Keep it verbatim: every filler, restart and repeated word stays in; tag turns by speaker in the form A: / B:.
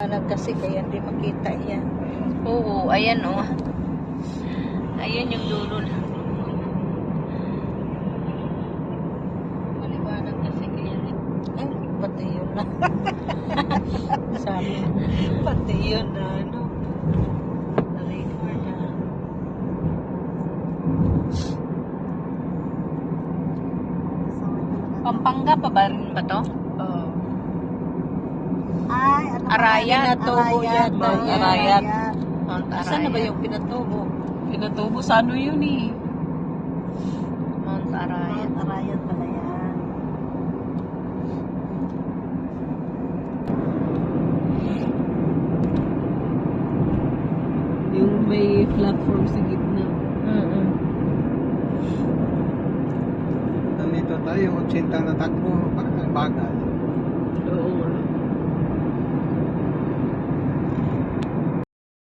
A: maliwanag kasi kaya hindi makita yan.
B: Oo, ayan oh. Ayan yung dulo na. Maliwanag kasi kaya.
A: Ay, pati yun na. Sabi, pati yun na, ano. Na-record na.
B: Pampanga pa ba rin ba to?
A: Oo.
C: Ay, ano ba?
B: Arayat.
A: Pinatubo
C: Arayat.
A: yata
B: Mount
A: yan.
B: Arayat.
C: Arayat.
B: Mount
A: Saan na ba
B: Arayat.
A: yung pinatubo?
B: Pinatubo sa ano yun eh? Mount Arayat.
C: Mount Arayat pala yan.
D: Yung may platform sa gitna.
A: Mm-mm.
E: Nandito tayo, ochenta na takbo, parang ang bagal.
D: Oo nga.